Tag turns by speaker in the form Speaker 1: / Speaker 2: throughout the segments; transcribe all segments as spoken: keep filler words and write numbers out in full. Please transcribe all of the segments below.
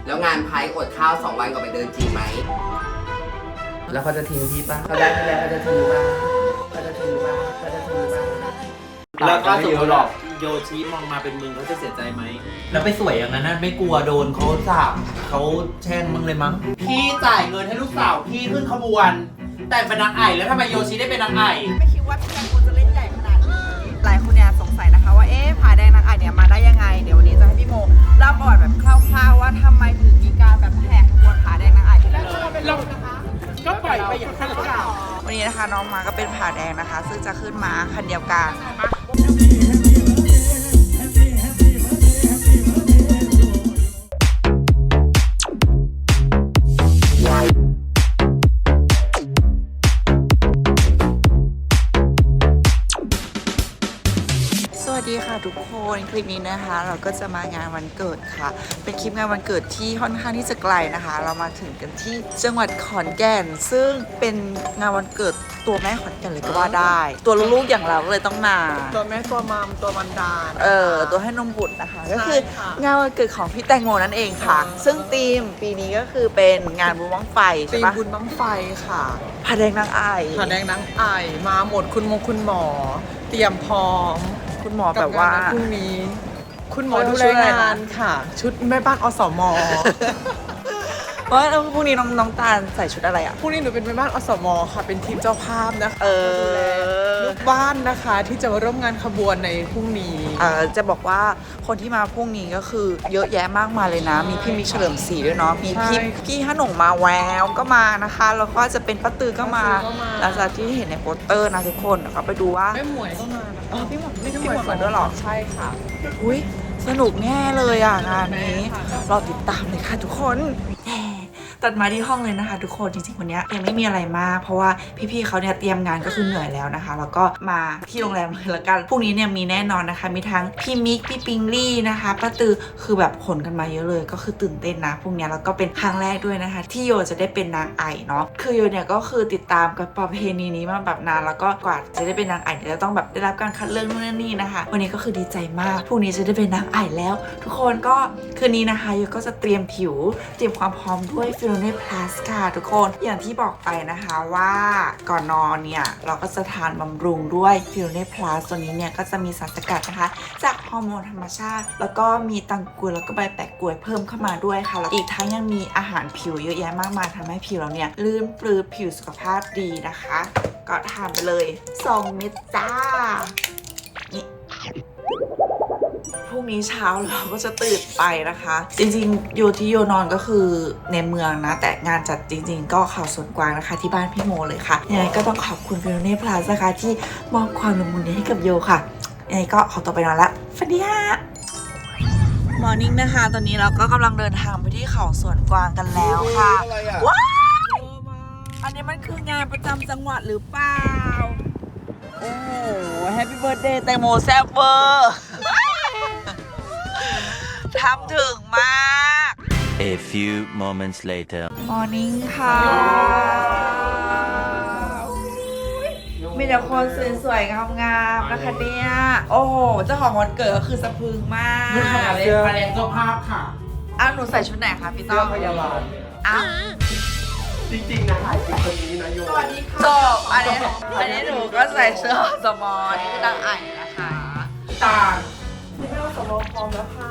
Speaker 1: แล้วงานไพ่อดข้าวสองวันก่อนไปเดินจริงไหมแล้วเขาจะทิ้งพี่ปะเขาได้ไม่ได้เขาจะทิ้งปะเขาจะทิ้งปะเขาจะทิ้งปะ
Speaker 2: แล้วถ้าสมมติหรอกโยชิมองมาเป็นมึงเขาจะเสียใจไหมแล้วไปสวยอย่างนั้นไม่กลัวโดนเขาสาบเขาแช่งมึงเลยมั้งพี่จ่ายเงินให้ลูกสาวพี่ขึ้นขบวนแต่เป็นนางไอ่แล้วทำไมโยชิได้เป็นนางไอ่
Speaker 3: ไม่คิดว่าพี่แตงโมจะเล่นใหญ่ขนาดนี้หลายคนเนี่ยสงสัยนะคะว่าเอ๊ะผาแดงนางไอ่เนี่ยมาได้ยังไงเดี๋ยววันนี้จะให้พี่โมเล่าประวัติแบบคร่าวๆว่าทำไมถึงมีการแบบแห่ขบวนผาแดงนางไอ่แล้วจะมาเป็นเรานะคะก็ปล่อยไปอย่างนั้นหรือเปล่าวันนี้นะคะน้องมาก็เป็นผาแดงนะคะซึ่งจะขึ้นมาคันเดียวกันสวัสดีค่ะทุกคนคลิปนี้นะคะเราก็จะมางานวันเกิดค่ะเป็นคลิปงานวันเกิดที่ค่อนข้างที่จะไกลนะคะเรามาถึงกันที่จังหวัดขอนแก่นซึ่งเป็นงานวันเกิดตัวแม่ขอนแก่นเลยก็ว่าได้ตัวลูกๆอย่างเราก็เลยต้องมา
Speaker 4: ตัวแม่ตัวมามตัวมันดา
Speaker 3: เออตัวให้นมบุตรนะคะก็คืองานวันเกิดของพี่แตงโมนั่นเองค่ะซึ่งธีมปีนี้ก็คือเป็นงานบุญบั้งไฟใช่ปะ
Speaker 4: บุญบั้งไฟค่ะ
Speaker 3: ผาแดงนางไอ่
Speaker 4: ผาแดงนางไอ่มาหมดคุณมงคุณหมอเตรียมพร้อม
Speaker 3: คุณหมอแบบว่า
Speaker 4: พรุ่งนี้คุณหมอดูแลงานค่ะชุดแม่บ้านอสม
Speaker 3: เพราะพรุ่งนี้น้องน้องตาลใส่ชุดอะไรอ่ะ
Speaker 4: พรุ่งนี้หนูเป็นแม่บ้านอสมค่ะเป็นทีมเจ้าภาพนะคะ
Speaker 3: เออ
Speaker 4: ดูแลลูกบ้านนะคะที่จะมาร่วมงานขบวนในพรุ่งนี้
Speaker 3: เออจะบอกว่าคนที่มาพรุ่งนี้ก็คือเยอะแยะมากมายเลยนะมีพี่มิกเฉลิมศรีด้วยเนาะมีพี่พี่ฮะหน่งมาแววก็มานะคะแล้วก็จะเป็นป้าตือก็มาหลังจากที่เห็นในโปสเตอร์นะทุกคนก็ไปดูว่า
Speaker 4: แม่หมวยก็มา
Speaker 3: อ๋อพี่หมวยพี่หมวยมาด้วยหรอ
Speaker 4: ใช่ค่ะ
Speaker 3: อุ้ยสนุกแน่เลยอ่ะงานนี้รอติดตามเลยค่ะทุกคนตัดมาที่ห้องเลยนะคะทุกคนจริงๆวันนี้ยังไม่มีอะไรมากเพราะว่าพี่ๆเขาเนี่ยเตรียมงานก็คือเหนื่อยแล้วนะคะแล้วก็มาที่โรงแรมเลยละกันพรุ่งนี้เนี่ยมีแน่นอนนะคะมีทั้งพี่มิกพี่ปิงลี่นะคะป้าตือคือแบบขนกันมาเยอะเลยก็คือตื่นเต้นนะพรุ่งนี้แล้วก็เป็นครั้งแรกด้วยนะคะที่โยจะได้เป็นนางไอ่เนาะคือโยเนี่ยก็คือติดตามกับประเพณีนี้มาแบบนานแล้วก็กว่าจะได้เป็นนางไอ่จะต้องแบบได้รับการคัดเลือกนู่นนี่นะคะวันนี้ก็คือดีใจมากพรุ่งนี้จะได้เป็นนางไอ่แล้วทุกคนก็คืนนี้นะคะโยก็จะเตรียมผิวเตรียมความพร้อมด้วยฟิโลเน่พลัสค่ะทุกคนอย่างที่บอกไปนะคะว่าก่อนนอนเนี่ยเราก็จะทานบำรุงด้วยฟิโลเน่พลัสตัวนี้เนี่ยก็จะมีสารสกัดนะคะจากฮอร์โมนธรรมชาติแล้วก็มีตังกวยแล้วก็ใบแปะกล้วยเพิ่มเข้ามาด้วยค่ะแล้วอีกทั้งยังมีอาหารผิวเยอะแยะมากมายทำให้ผิวเราเนี่ยลื่นปลื้มผิวสุขภาพดีนะคะก็ทานไปเลยสองเม็ดจ้านี่พรุ่งนี้เช้าเราก็จะตื่นไปนะคะจริงๆโยที่โยนอนก็คือในเมืองนะแต่งานจัดจริงๆก็เขาสวนกวางนะคะที่บ้านพี่โมเลยค่ะยังไงก็ต้องขอบคุณฟิโลเน่พลัสนะคะที่มอบความละมุนนี้ให้กับโยค่ะยังไงก็ขอตัวไปนอนละฝันดีค่ะมอร์นิ่งนะคะตอนนี้เราก็กำลังเดินทางไปที่เขาสวนกวางกันแล้วค่ะว้าวอันนี้มันคืองานประจำจังหวัดหรือเปล่าโอ้โหแฮปปี้เบิร์ธเดย์แตงโมแซ่บเวอร์ทำถึงมาก
Speaker 5: A few moments later
Speaker 3: Morning ค่ะมีแต่คนสวยๆงามๆนะคะเนี่ยโอ้โหเจ้าของวันเกิดก็คือสะพรึงมาก
Speaker 2: นี่ค่ะเสื้อมาแรงเจ้าภาพค่ะ
Speaker 3: อ้าวหนูใส่ชุดไหนคะพี่ต้อม
Speaker 4: พยาบาล
Speaker 3: อ้าว
Speaker 4: จริงๆนะถ่ายคลิปคนนี้นะโยสวัสดีค่ะ
Speaker 3: จบอันนี้อันนี้หนูก็ใส่เสื้อสมอนี่คือนางไอ่นะคะ
Speaker 4: ตาคุณแม่สมอพร้อมแล้วค่ะ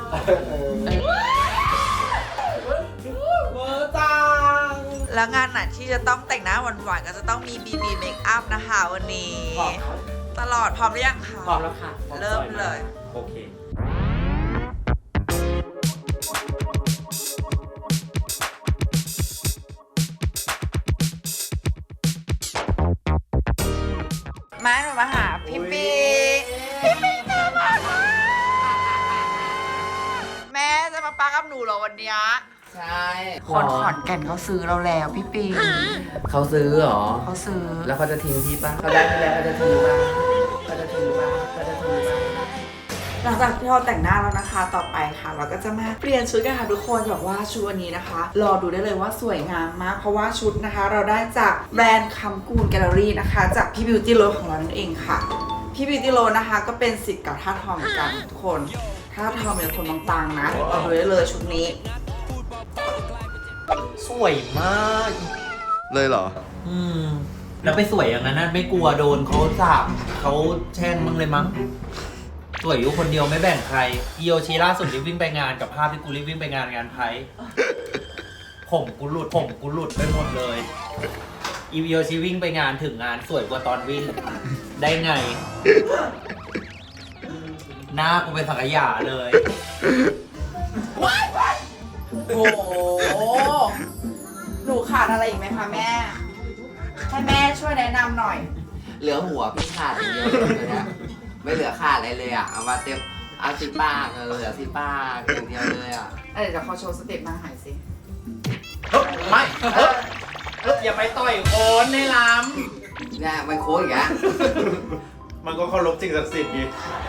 Speaker 4: เวอร์จัง
Speaker 3: แล้วงานไหนที่จะต้องแต่งหน้าหวานๆก็จะต้องมี บี บี Makeup นะคะวันนี้ตลอดพร้อมหรือยังคะ
Speaker 2: พร้อมแล้วค่ะ
Speaker 3: เริ่มเลย
Speaker 2: โอเค
Speaker 3: แม่หนูมาหาพี่ปีพี่ปีน่ารักมากแม่จะมาปากับหนูเหรอวันนี้
Speaker 1: ใช่
Speaker 3: คนขอนแก่นเขาซื้อเราแล้วพี่ปี
Speaker 1: เขาซื้อเหรอ
Speaker 3: เขาซื้อ
Speaker 1: แล้วเขาจะทิ้งพี่ปะเขาได้ไม่ได้เขาจะทิ้งปะเขาจะทิ้งปะเขาจะทิ้งปะ
Speaker 3: หลังจากที่เราแต่งหน้าแล้วนะคะต่อไปค่ะเราก็จะมาเปลี่ยนชุดกันค่ะทุกคนแบบว่าชุดวันนี้นะคะรอดูได้เลยว่าสวยงามมากเพราะว่าชุดนะคะเราได้จากแบรนด์คำกูลแกลเลอรี่นะคะจากพี่บิวตี้โรสของเรานั่นเองค่ะพี่บิวตี้โรสนะคะก็เป็นศิษย์เก่าท่าทองเหมือนกันทุกคนท่าทองเป็นคนบางๆนะเอาดูได้เลยชุดนี้
Speaker 2: สวยมาก
Speaker 1: เลยเหรอ
Speaker 2: อืมแล้วไปสวยอย่างนั้นนะไม่กลัวโดนเขาสาบเขาแช่งมึงเลยมั้งสวยอยู่คนเดียวไม่แบ่งใครอีโอชิล่าสุดรีบวิ่งไปงานกับภาพที่กูรีบวิ่งไปงานงานไพ่ผมกูหลุดผมกูหลุดไปหมดเลยอีโอชิวิ่งไปงานถึงงานสวยกว่าตอนวิ่งได้ไง หน้ากูเป็นสังขยาเลย
Speaker 3: โอ้โหหนูขาดอะไรอีกไหมคะแม่ ให้แม่ช่วยแนะนำหน่อย
Speaker 1: เหลือหัวพี่ขาดอย่างเดียวเลยเนี่ยไม่เหลือขาดอะไรเลยอ่ะ เอามาเต็มเอาสิปากเออเหลือสิปากอย่างเดียวเลยอ่ะ
Speaker 3: เอ้ยเดี๋ยวเขาโชว์สเต็ปนางหายสิ
Speaker 2: เฮ้ยไม่เฮ้ยเฮ้ยอย่าไปต่อยโคนในล้
Speaker 1: เนี่ยมันโค้งอย่างเงี้ย
Speaker 2: ำมันก็เคารพสิ่งศักดิ์สิทธิ์ดิ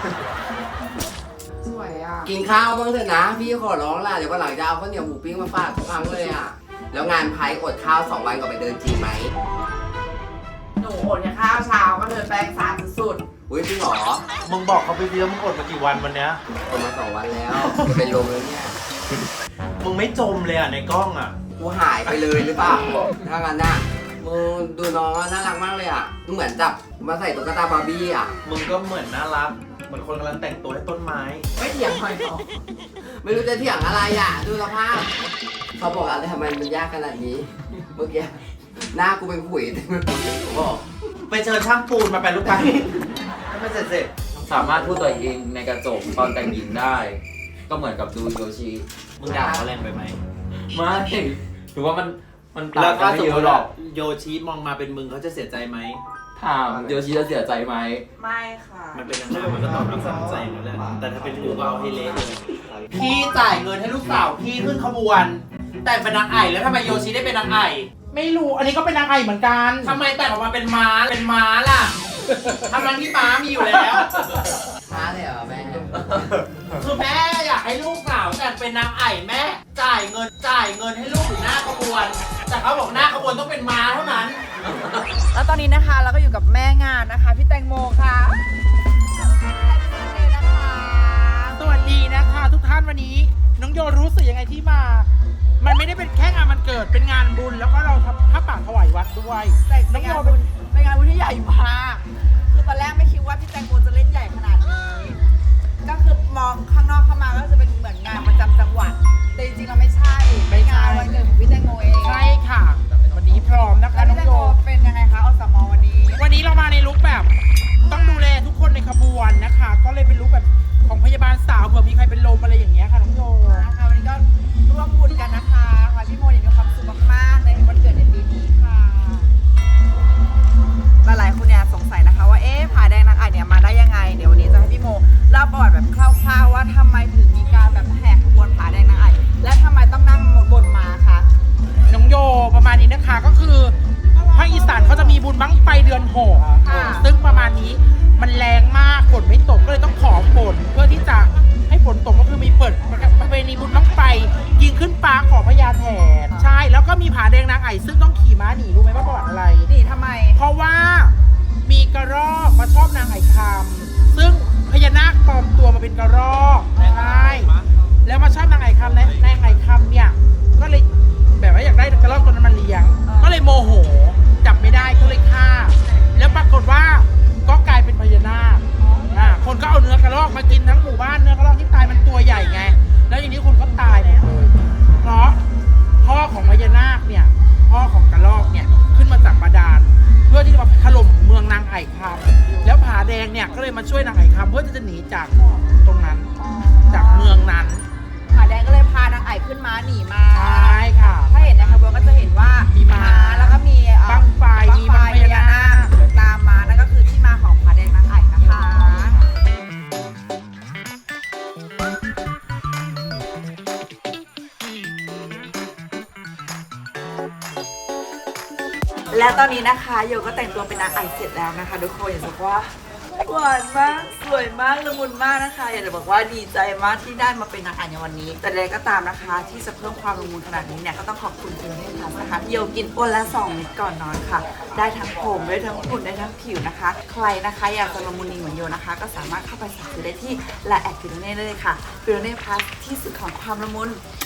Speaker 3: สวยอ่ะ
Speaker 1: กินข้าวบ้างเถอะนะ พี่ขอร้องล่ะ เดี๋ยววันหลังจะเอาข้าวเหนียวหมูปิ้งมาฝากทุกครั้งเลยอ่ะ แล้วงานไพ่อดข้าวสองวันก่อนไปเดินจริงไหม
Speaker 3: หนูอดแค่ข้าวเช้าก็เดินแป้งสารสุด
Speaker 1: อุ้ยจริงเหรอ
Speaker 2: มึงบอกเขาไปดีแล้วมึงอดมากี่วันวันเนี้ย
Speaker 1: อดมาสองวันแล้วจะเป็นลมแล้วเนี่ย
Speaker 2: มึงไม่จมเลยอ่ะในกล้องอ่ะ
Speaker 1: กูหายไปเลยหรือเปล่าถ้างั้นน่ะมึงดูน้องอะน่ารักมากเลยอ่ะเหมือนจับมาใส่ตุ๊กตาบาร์บี้อ่ะ
Speaker 2: มึงก็เหมือนน่ารัก เหมือนคนกำลังแต่งตัวให้ต้นไม้
Speaker 3: ๆไม่เถียงหน่อยหรอ
Speaker 1: ไม่รู้จะเถียงอะไรอ่ะ ดูสภาพเขาบอกอะไรทำไมมันยากขนาดนี้ เมื่อกี้หน้ากูเป็นขุยเต็มไปหมดเลยผมบอก
Speaker 2: ไปเจอช่างปูนมาไปลูกไปให้มันเสร็จเสร็จ
Speaker 6: สามารถพูดตัวเองในกระจกตอนแต่งหญิงได้ ก็เหมือนกับดูโยชิ
Speaker 2: มึงด่าเขาแรงไปไหม
Speaker 6: ไม่ถือว่ามันมันต่า
Speaker 2: แล้
Speaker 6: ง
Speaker 2: ว
Speaker 6: กั
Speaker 2: ก็
Speaker 6: นไม่
Speaker 2: สม
Speaker 6: เย
Speaker 2: ม
Speaker 6: อะ
Speaker 2: ติ
Speaker 6: หร
Speaker 2: ว่า
Speaker 6: อก
Speaker 2: โยชิมองมาเป็นมึงเขาจะเสียใจไหม
Speaker 6: ถามโยชิจะเสียใจไหม
Speaker 3: ไม่ค่ะ
Speaker 2: มันเป็นยังไงมันก็ตอบรับสนใจนั่นแหละแต่ถ้าเป็นกูก็เอาให้เละเลย พี่จ่ายเงินให้ลูกสาวพี่ขึ้นขบวน แต่งเป็นนางไอ่แล้วทำไมโยชิได้เป็นนางไอ่
Speaker 4: ไม่รู้ อันนี้ก็เป็นนางไอเหมือนกัน
Speaker 2: ทำไมแต่งออกมาเป็นม้าเป็นม้าล่ะทำนั้นที่ม้ามีอยู่แล้ว
Speaker 1: ช้าเลยเหรอแม่
Speaker 2: คือแม่อยากให้ลูกสาวแต่งเป็นนางไอ่แม่จ่ายเงินจ่ายเงินให้ลูกอยู่หน้าขบวน แต่เขาบอกหน้าขบวนต้องเป็นม้าเท่านั้น
Speaker 3: แล้วตอนนี้นะคะเราก็อยู่กับแม่งานนะคะพี่แตงโมค่ะนะคะ
Speaker 4: สวัสดีนะคะทุกท่านวันนี้ น้องโยรู้สึกยังไงที่มา มันไม่ได้เป็นแค่งานมันเกิด เป็นงานบุญ แล้วก็เราทำผ้าป่าถวายวัดด้วย
Speaker 3: แต่เป็นงานบุญเป็นงานบุญที่ใหญ่มากคือตอนแรกไม่คิดว่าพี่แตงโมจะเล่นใหญ่ขนาดนี้ก็คือมองข้างนอกเข้ามาก็จะเป็นเหมือนงานประจำจังหวัดแต่จริงๆเราไม่ใช่
Speaker 4: ไม่ใช่
Speaker 3: งานวันเกิดของพี่แตงโมเอง
Speaker 4: ใช่ค่ะ วันนี้พร้อมนะคะ
Speaker 3: แล้ว
Speaker 4: น้
Speaker 3: พี่
Speaker 4: อง
Speaker 3: แตง
Speaker 4: โย
Speaker 3: โมเป็นยังไงคะอสมวันนี้
Speaker 4: วันนี้เรามาในลุคแบบ ต้องดูแลทุกคนในขบวนนะคะ ก็เลยเป็นลุคแบบของพยาบาลสาวเผื่อมีใครเป็นลมอะไรอย่างเงี้ยค่ะน้องโย
Speaker 3: นะคะวันนี้ก็ร่วมบุญกันนะคะขอให้พี่โมมีความสุขมากๆในวันเกิดในปีนี้ค่ะหลายๆคนเนี่ยสงสัยนะคะว่าเอ๊ะผาแดงนางไอ่เนี่ยมาได้ยังไงเดี๋ยววันนี้จะให้พี่โมเล่าประวัติแบบคร่าวๆว่าทำไมถึงมีการแบบแห่ขบวนผาแดงนางไอ่และทำไมต้องนั่งบนม้าคะ
Speaker 4: น้องโยประมาณนี้นะคะก็คือภาคอีสานเขาจะมีบุญบั้งไฟเดือนหก
Speaker 3: ค่ะ
Speaker 4: ซึ่งประมาณนี้มันแรงมากฝนไม่ตกก็เลยต้องขอฝนเพื่อที่จะให้ฝนตกก็คือมีเปิดประเพณีบุญบั้งไฟยิงขึ้นฟ้าขอพญาแถนใช่แล้วก็มีผาแดงนางไอ่ซึ่งต้องขี่ม้าหนีรู้ไหมว่าประวัติอะไร
Speaker 3: นี่ทำไม
Speaker 4: เพราะว่ามีกระรอกมาชอบนางไอ่คำซึ่งพญานาคปลอมตัวมาเป็นกระรอกใช่แล้วมาชอบนางไอ่คำนางไอ่คำเนี่ยก็เลยแบบว่าอยากได้กระรอกตัวนั้นมาเลี้ยง ก็เลยโมโหจับไม่ได้ก็เลยฆ่า แล้วปรากฏว่าก็กลายเป็นพญานาคอ่าคนก็เอาเนื้อกระรอกมากินทั้งหมู่บ้านเนื้อกระรอกที่ตายมันตัวใหญ่ไงแล้วอย่างนี้คนก็ตายหมดเลยเพราะพ่อของพญานาคเนี่ยพ่อของกระรอกเนี่ยขึ้นมาจากบาดาลเพื่อที่จะมาถล่มเมืองนางไอ่คำแล้วผาแดงเนี่ยก็เลยมาช่วยนางไอ่คำเพื่อที่จะหนีจากตรงนั้นจากเมืองนั้น
Speaker 3: ผาแดงก็เลยพานางไอ่ขึ้นม้าหนีมา
Speaker 4: ใช่ค่ะ
Speaker 3: ถ้าเห็นในขบวนก็จะเห็นว่า
Speaker 4: มี
Speaker 3: มี
Speaker 4: ม้า
Speaker 3: แล้วก็มีเอ่อ
Speaker 4: บั้งไฟ
Speaker 3: บั้
Speaker 4: มี
Speaker 3: งไฟ
Speaker 4: บั้งพ
Speaker 3: พ
Speaker 4: ญา
Speaker 3: ญา
Speaker 4: นา
Speaker 3: นา
Speaker 4: ค
Speaker 3: คตามมานั่นก็คือที่มาของผาแดงนางไอ่นะคะ และตอนนี้นะคะโยก็แต่งตัวเป็นนางไอ่เสร็จแล้วนะคะทุกคนอยากจะบอกว่าหวานมากสวยมากละมุนมากนะคะอยากจะบอกว่าดีใจมากที่ได้มาเป็นนางไอ่ในวันนี้ แต่ใดก็ตามนะคะ ที่จะเพิ่มความละมุนขนาดนี้เนี่ยก็ต้องขอบคุณคุณเทพทัศน์นะคะโยกินวันละสองเม็ดก่อนนอนค่ะ ได้ทั้งผมได้ทั้งหุ่นได้ทั้งผิวนะคะ ใครนะคะอยากจะละมุนนีเหมือนโยนะคะ ก็สามารถเข้าไปสั่งซื้อได้ที่ไลน์แอดฟิโลเน่ได้เลยค่ะฟิโลเน่พลัสที่สุดของความละมุน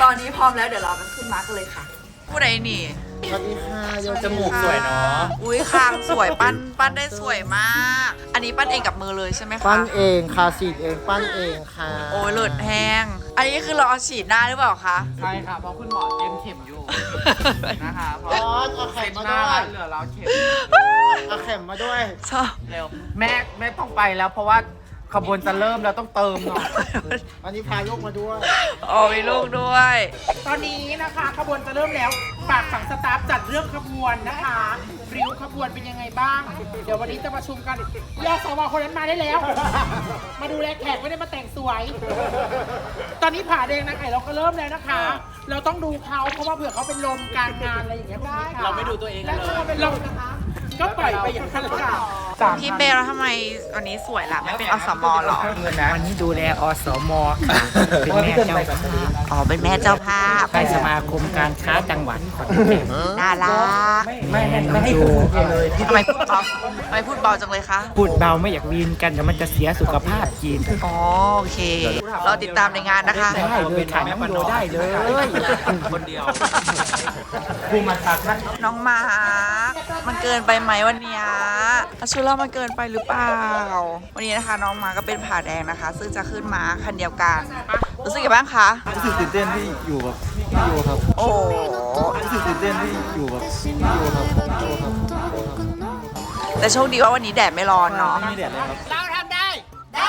Speaker 3: ตอนนี้พร้อมแล้วเดี๋ยวเราไปขึ้นม้ากันเลยค่ะผู้ใดนี่
Speaker 4: สวัสดีค่ะโย
Speaker 2: จมูกสวยเนาะ
Speaker 3: อุ้ยคางสวยปั้นปั้นได้สวยมาก อันนี้ปั้นเองกับมือเลยใช่ไหมคะ
Speaker 4: ปั้นเองค่ะฉีดเองปั้นเองค่ะ
Speaker 3: โอ้ยเลือดแห้ง อันนี้คือเราเอาฉีดหน้าหรือเปล่าคะ
Speaker 2: ใช่ค่ะเพราะคุณหมอเต็มเข็มอยู่นะคะเพราะ
Speaker 4: ร้อนเอาเข็มมาด้วย
Speaker 2: เหลือเราเข็ม
Speaker 4: เอาเข็มมาด้วย
Speaker 3: ชอบ
Speaker 2: เร็วแม่แม่ต้องไปแล้วเพราะว่าขบวนจะเริ่มแล้วต้องเติมหน่อย
Speaker 4: อันนี้พาลูกมาด้วย
Speaker 3: อ๋อมีลูกด้วย
Speaker 4: ตอนนี้นะคะขบวนจะเริ่มแล้วฝากฝั่งสตาฟจัดเรื่องขบวนนะคะริ้วขบวนเป็นยังไงบ้าง เดี๋ยววันนี้จะประชุมกันยอสวคนนั้นมาได้แล้ว มาดูแลแขกไม่ได้มาแต่งสวย ตอนนี้ผ่าแดงนางไก่เราก็เริ่มแล้วนะคะ เราต้องดูเขาเพราะว่าเผื่อเขาเป็นลมกลางงานอะไรอย่างเงี้ยได้ค่ะ
Speaker 2: เราไม่ดูตัวเองกันเลย
Speaker 4: แล้วถ้าเราเป็นลมนะคะก็ปล่อยไปอย่างนั้นแหละค่ะ
Speaker 3: พี่เบลแล้วทำไมวันนี้สวยล่ะไม่เป็นอสมหรอ
Speaker 7: วันนี้ดูแลอสมค่ะ เป็นแม่เจ้าภาพ
Speaker 3: อ๋อเป็นแม่เจ้าภาพ
Speaker 7: ให้สมาคมการค้าจังหวัดขอนแก่น
Speaker 3: น่ารัก
Speaker 7: ไม่ไม่ให้ดู
Speaker 3: ทำไมพูดเบาทำไมพูดเบาจังเลยคะ
Speaker 7: พูดเบาไม่อยากวีนกันเดี๋ยวมันจะเสียสุขภาพจีน
Speaker 3: อ๋อโอเค เราติดตามในงานนะคะ
Speaker 7: ได้เลยค่ะน้องโยได้เลย
Speaker 2: คนเดียว
Speaker 7: ภูมิทักษ์
Speaker 3: น้องหมามันเกินไปไหมวันเนี้ยชุดเรามันเกินไปหรือเปล่า วันนี้นะคะน้องหมาก็เป็นผ่าแดงนะคะ ซึ่งจะขึ้นม้าคันเดียวกัน รู้สึกยังไงบ้างคะ
Speaker 8: รู้สึกตื่นเต้นที่อยู่กับพี่โยครับ
Speaker 3: โอ้โห
Speaker 8: รู้สึกตื่นเต้นที่อยู่กับพี่โยครับพี่โยครับ
Speaker 3: แต่โชคดีว่าวันนี้แดดไม่ร้อนเนาะ
Speaker 8: ไม่มีแดดเลยครับ
Speaker 4: เราทำได้ ได้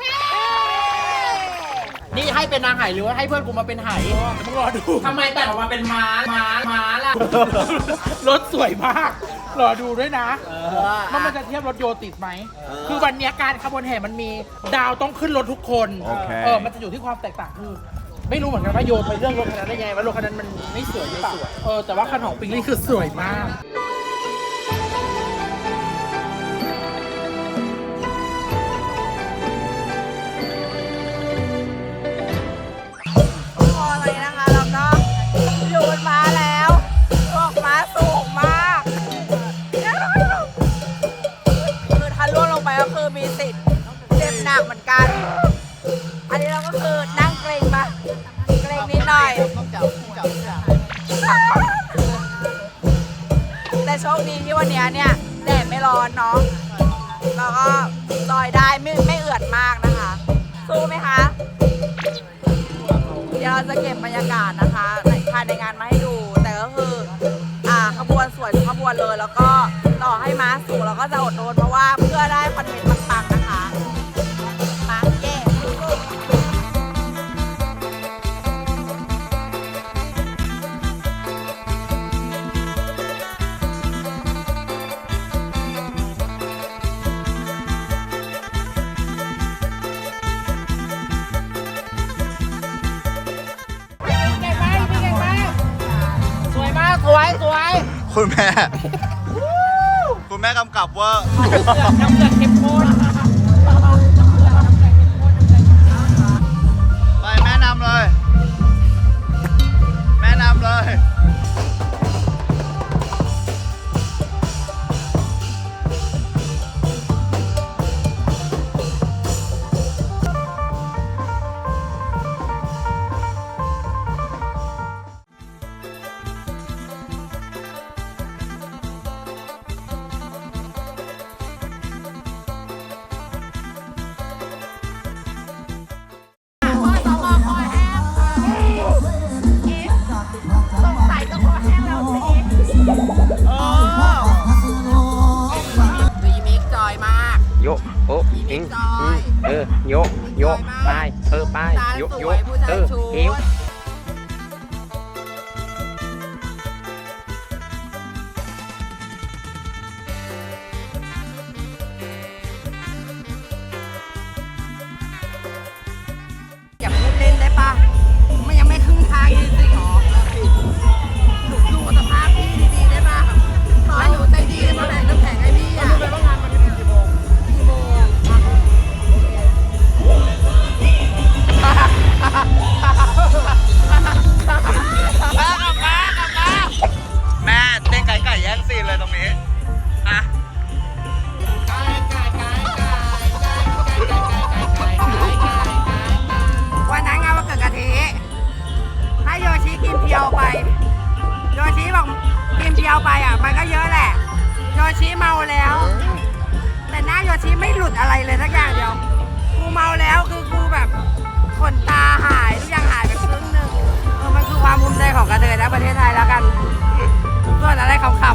Speaker 4: นี่ให้เป็นนางไหหรือว่าให้เพื่อนกูมาเป็นไหมึงรอดู
Speaker 2: ทำไมแต่งออกมาเป็นม้าม้าม้าล่ะ
Speaker 4: รถสวยมาก รอดูด้วยนะว่ามันจะเทียบรถโยติดไหม คือวันเนี้ยการขบวนแห่มันมีดาวต้องขึ้นรถทุกคน
Speaker 8: โอเค
Speaker 4: เออ มันจะอยู่ที่ความแตกต่างคือ ไม่รู้เหมือนกันว่าโยนไปเรื่องรถคันนั้นได้ยังไงว่ารถคันนั้นมันไม่สวยหรือเปล่าเออ แต่ว่าคันของปิงลี่คือสวยมาก
Speaker 3: พอเลยนะคะแล้วก็อยู่บนม้าแล้วออกม้าสูงมากคือถ้าล่วงลงไปก็คือมีสิทธิ์เจ็บหนักเหมือนกัน อันนี้เราก็คือนั่งเกรงปะเกรงนิดหน่อยแต่โชคดีที่วันนี้เนี่ยแดดไม่ร้อนเนาะแล้วก็ลอยได้ไม่ไม่เอือดมากนะคะ สู้ไหมคะ เดี๋ยวเราจะเก็บบรรยากาศนะคะในภายในงานมาให้ดู แต่ก็คืออ่าขบวนสวยทุกขบวนเลย แล้วก็ต่อให้ม้าสูงเราก็จะอดทนเพราะว่าเพื่อได้คอนเทนต์ปังๆนะคะมาเย่
Speaker 4: สวยมาก สวย สวย
Speaker 8: คุณแม่ คุณแม่กำกับว่า
Speaker 4: น้ำเกลือเข้มข้น
Speaker 8: ไปแม่นำเลย แม่นำเลย
Speaker 3: รีมิกจอยมาก
Speaker 7: โยโอ้อิงอืมเออโยโยไปเออไปโยโยเออเอว
Speaker 3: อย่าพูดเล่นได้ปะมันยังไม่ครึ่งทางจริงๆหรอหนูดูสภาพพี่ดีๆได้ปะต่อให้หนูใจดีมาแบ่งน้ำแข็งให้พี่อ่ะดูไปว่างานมันจะถึงกี่โมงกี่โมง
Speaker 9: องกินเดียวไปอ่ะมันก็เยอะแหละโยชิเมาแล้ว แต่หน้าโยชิไม่หลุดอะไรเลยสักอย่างเดียวกูเมาแล้วคือกูแบบขนตาหายทุกอย่างหายไปครึ่งหนึ่งเออมันคือความภูมิใจของกระเทยและประเทศไทยแล้วกันส่วนอะไรขำ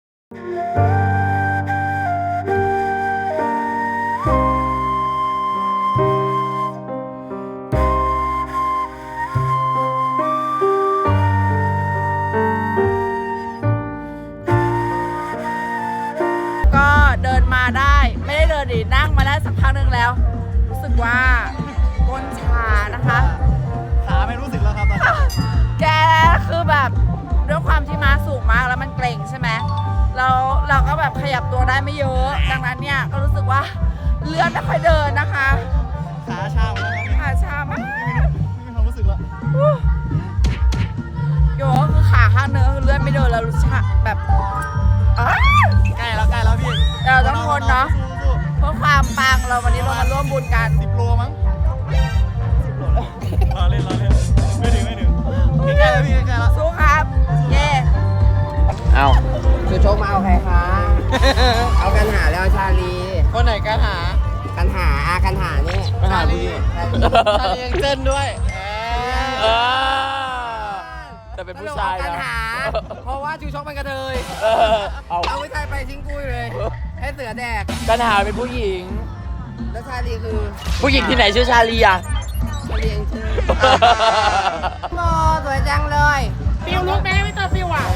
Speaker 9: ๆ
Speaker 3: ก็เดินมาได้ไม่ได้เดินดินั่งมาได้สักพักหนึ่งแล้ว รู้สึกว่าก้นชานะคะ
Speaker 8: ขาไม่รู้สึกแล้วครับตอนนี้
Speaker 3: แกคือแบบด้วยความที่ม้าสูงมากแล้วมันเกร็งใช่ไหมแล้วเราก็แบบขยับตัวได้ไม่เยอะ ดังนั้นเนี่ยก็รู้สึกว่าเลือดไม่ค่อยเดินนะคะ
Speaker 8: ขาชาหมดแล้วครับ
Speaker 3: ขาชามาก
Speaker 8: ไม่มีความรู้สึกแล้ว
Speaker 3: โยก็คือขาข้างเนื้อคือเลือดไม่เดินแล้วรู้สึกแบบอ้า
Speaker 8: ใกล้แล้วใกล้แล้วพี่
Speaker 3: เราต้องทนเนาะ
Speaker 8: สู้
Speaker 3: เพื่อความปังเราวันนี้เรามาร่วมบุญกัน
Speaker 8: ๆสิบโลมั้งสิบโลแล้วรอเล่นรอเล่นไม่ถึงไม่ถึงใกล้แล้วพี่ใกล้แล้ว
Speaker 3: สู้ครับ เย่
Speaker 7: เอา
Speaker 1: คือโชคมาเอาใครคะ เอากันหาแล้วชาลี
Speaker 7: คนไหนกันหา
Speaker 1: กันหาอากันหานี่
Speaker 7: กันหาผู้หญิง
Speaker 1: ชาลียังเต้นด้วย
Speaker 7: เออแต่เป็นผู้ชาย
Speaker 1: กัน
Speaker 7: นะ
Speaker 1: หา เพราะว่าจูชกมันกระเทย
Speaker 7: เออเอา
Speaker 1: เอาไม่ใช่ไปทิ้งกุ้ยเลย ให้เสือแดก
Speaker 7: กันหาเป็นผู้หญิง
Speaker 1: แล้วชาลีคือ
Speaker 7: ผู้หญิงที่ไหนชื่อชาลีอ่ะ
Speaker 1: ชาลียังชื่อโอ้สวยจังเลย
Speaker 4: ฟิวลุกไหมไม่เจอฟิวอ่ะ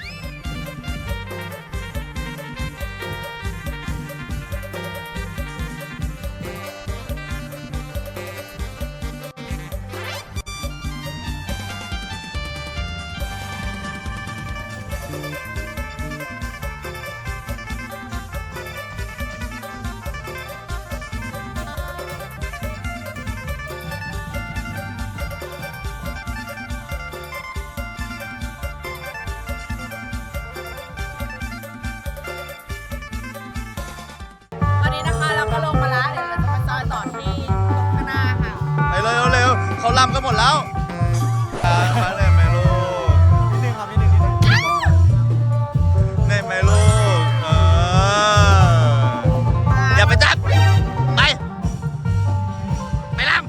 Speaker 3: ตอนนี้นะคะเราก็ลงมาแล้วเดี๋ยวเราจะมาจอยต่อที่ตรงข้างหน้าค่ะ
Speaker 8: ไปเร็วเร็วเขาลำกันหมดแล้วมาเลยไหมลูกนิดนึงครับนิดนึงนิดนึงได้ไหมลูกเอออย่าไปจับไปไปลำ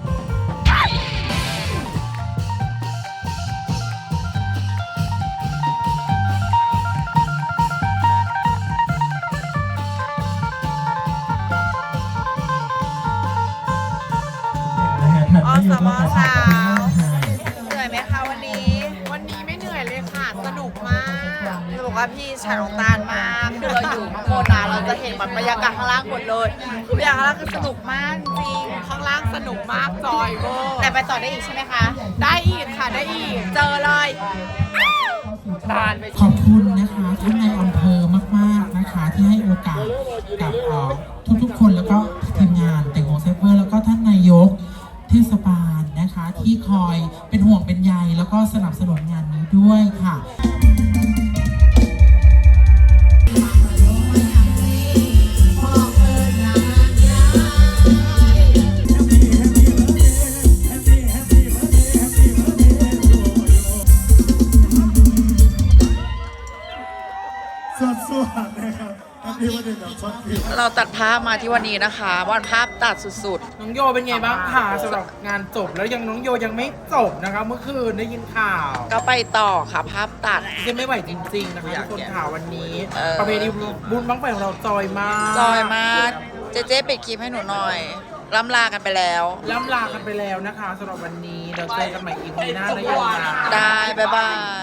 Speaker 3: อสมสาวเหนื่อยไหมคะวันนี้
Speaker 4: วันนี้ไม่เหนื่อยเลยค่ะ สนุกมาก
Speaker 3: จะบอกว่าพี่ชายของตาลมากคือเราอยู่ข้างบนนะเราจะเห็นแบบบรรยากาศข้างล่างหมดเลยคือบรรยากาศข้างล่างคือสนุกมากจริง
Speaker 4: ข้างล่างสนุกมากจอยเวอร์
Speaker 3: แต่ไปต่อได้อีกใช่ไหมคะ
Speaker 4: ได้อีกค่ะ ได้อีก
Speaker 3: เจอเลย
Speaker 7: ตาลไป
Speaker 10: ขอบคุณนะคะท่านในายอำเภอมากๆนะคะ ที่ให้โอกาสกับเอ่อทุกๆคนแล้วก็ทีมงานแต่งโมเซฟเวอร์แล้วก็ท่านนายกเทศบาลนะคะ ที่คอยเป็นห่วงเป็นใยแล้วก็สนับสนุนงานนี้ด้วยค่ะ
Speaker 3: เราตัดภาพมาที่วันนี้นะคะวันภาพตัดสุด
Speaker 4: น้องโยเป็นไงบ้างคะสำหรับงานจบแล้วยังน้องโยยังไม่จบนะคะเมื่อคืนได้ยินข่าว
Speaker 3: ๆ ก็ไปต่อค่ะภาพตัด
Speaker 4: จะไม่ไหวจริงๆนะคะทุกคนข่าววันนี้
Speaker 3: เออ
Speaker 4: ประเพณีบุญบั้งไฟของเราจอยมาก
Speaker 3: จอยมากเจ๊เจ๊ปิดคลิปให้หนูหน่อยล่ำลากันไปแล้ว
Speaker 4: ล่ำลากันไปแล้วนะคะสำหรับวันนี้เราเจอกันใหม่อีพีหน้านะโยนะ
Speaker 3: ได้ บ๊ายบาย